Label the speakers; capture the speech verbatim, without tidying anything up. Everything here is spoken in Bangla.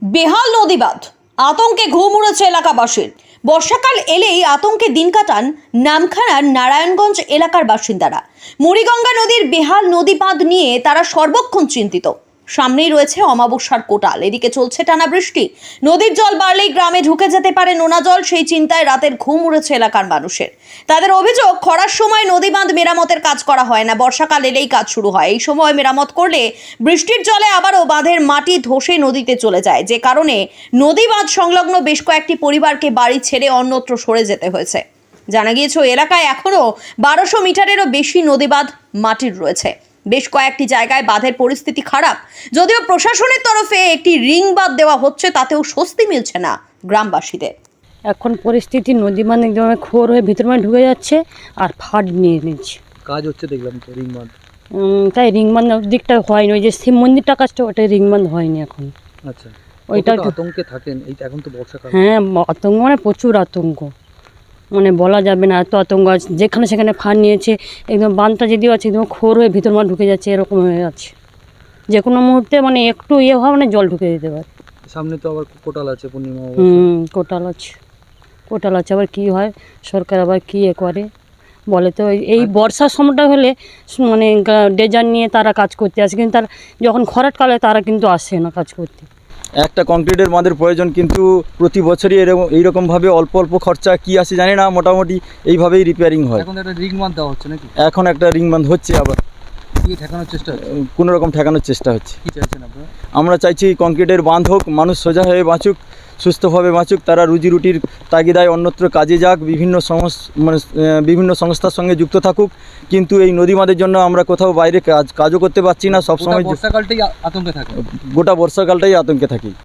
Speaker 1: বেহাল নদী বাঁধ আতঙ্কে ঘুম উড়েছে এলাকাবাসীর। বর্ষাকাল এলেই আতঙ্কে দিন কাটান নামখানার নারায়ণগঞ্জ এলাকার বাসিন্দারা। মুড়িগঙ্গা নদীর বেহাল নদী বাঁধ নিয়ে তারা সর্বক্ষণ চিন্তিত। সামনেই রয়েছে অমাবস্যার কোটাল, এদিকে চলছে টানা বৃষ্টি। নদীর জল বাড়লেই গ্রামে ঢুকে যেতে পারে নোনা জল, সেই চিন্তায় রাতের ঘুম উড়েছে এলাকার মানুষের। তাদের অভিযোগ, খরার সময় নদী বাঁধ মেরামতের কাজ করা হয় না, বর্ষাকাল এলেই কাজ শুরু হয়। এই সময় মেরামত করলে বৃষ্টির জলে আবারও বাঁধের মাটি ধসে নদীতে চলে যায়, যে কারণে নদী বাঁধ সংলগ্ন বেশ কয়েকটি পরিবারকে বাড়ি ছেড়ে অন্যত্র সরে যেতে হয়েছে। জানা গিয়েছে এলাকায় এখনও বারোশো মিটারেরও বেশি নদী বাঁধ মাটির রয়েছে। বেশ কয়েকটি জায়গায় বাঁধের পরিস্থিতি খারাপ। যদিও প্রশাসনের তরফে একটি রিং বাঁধ দেওয়া হচ্ছে, তাতেও স্বস্তি মিলছে না গ্রামবাসীদের।
Speaker 2: এখন পরিস্থিতি নদী মানে একদম খোর হয়ে ভিতর মানে ঢুকে যাচ্ছে আর ফাট নিয়ে নিচ্ছে।
Speaker 3: কাজ হচ্ছে দেখলাম তো রিং বাঁধ।
Speaker 2: উম, তাই রিং বাঁধ দিকটা হয়নি, ওই যে শিব মন্দিরটা কাজটা ওটা রিং বাঁধ হয়নি এখন।
Speaker 3: আচ্ছা,
Speaker 2: ওইটা
Speaker 3: ওইটা আতঙ্কে থাকেন। এই এখন তো বর্ষাকাল।
Speaker 2: হ্যাঁ, আতঙ্ক মানে প্রচুর আতঙ্ক, মানে বলা যাবে না এত আতঙ্ক আছে। যেখানে সেখানে ফাট নিয়েছে, একদম বাঁধটা যদিও আছে একদম খোর হয়ে ভিতর মানে ঢুকে যাচ্ছে, এরকম হয়ে যাচ্ছে। যে কোনো মুহূর্তে মানে একটু ইয়ে হয় মানে জল ঢুকে দিতে পারে।
Speaker 3: সামনে তো আবার কোটাল আছে, পূর্ণিমা।
Speaker 2: হুম, কোটাল আছে, কোটাল আছে। আবার কী হয়, সরকার আবার কী এ করে বলে তো। এই বর্ষার সময়টা হলে মানে ডেজার নিয়ে তারা কাজ করতে আসে, কিন্তু তার যখন খরার কালে তারা কিন্তু আসে না কাজ করতে।
Speaker 4: একটা কংক্রিটের বাঁধের প্রয়োজন, কিন্তু প্রতি বছরই এরকম এইরকমভাবে অল্প অল্প খরচা কি আসে জানি না, মোটামুটি এইভাবেই রিপেয়ারিং হয়।
Speaker 3: এখন একটা রিং বাঁধ দেওয়া হচ্ছে নাকি?
Speaker 4: এখন একটা রিং বাঁধ হচ্ছে, আবার
Speaker 3: কি ঠেকানোর চেষ্টা হচ্ছে?
Speaker 4: কোনো রকম ঠেকানোর চেষ্টা হচ্ছে।
Speaker 3: কি চাইছেন আপনারা?
Speaker 4: আমরা চাইছি কংক্রিটের বাঁধ হোক, মানুষ সোজা হয়ে বাঁচুক, সুস্থভাবে বাঁচুক, তারা রুজি রুটির তাগিদায় অন্যত্র কাজে যাক, বিভিন্ন সমস মানে আহ, বিভিন্ন সংস্থার সঙ্গে যুক্ত থাকুক। কিন্তু এই নদী বাঁধের জন্য আমরা কোথাও বাইরে কাজ কাজও করতে পারছি না, সবসময়
Speaker 3: বর্ষাকালটাই আতঙ্কে থাকে।
Speaker 4: গোটা বর্ষাকালটাই আতঙ্কে থাকি।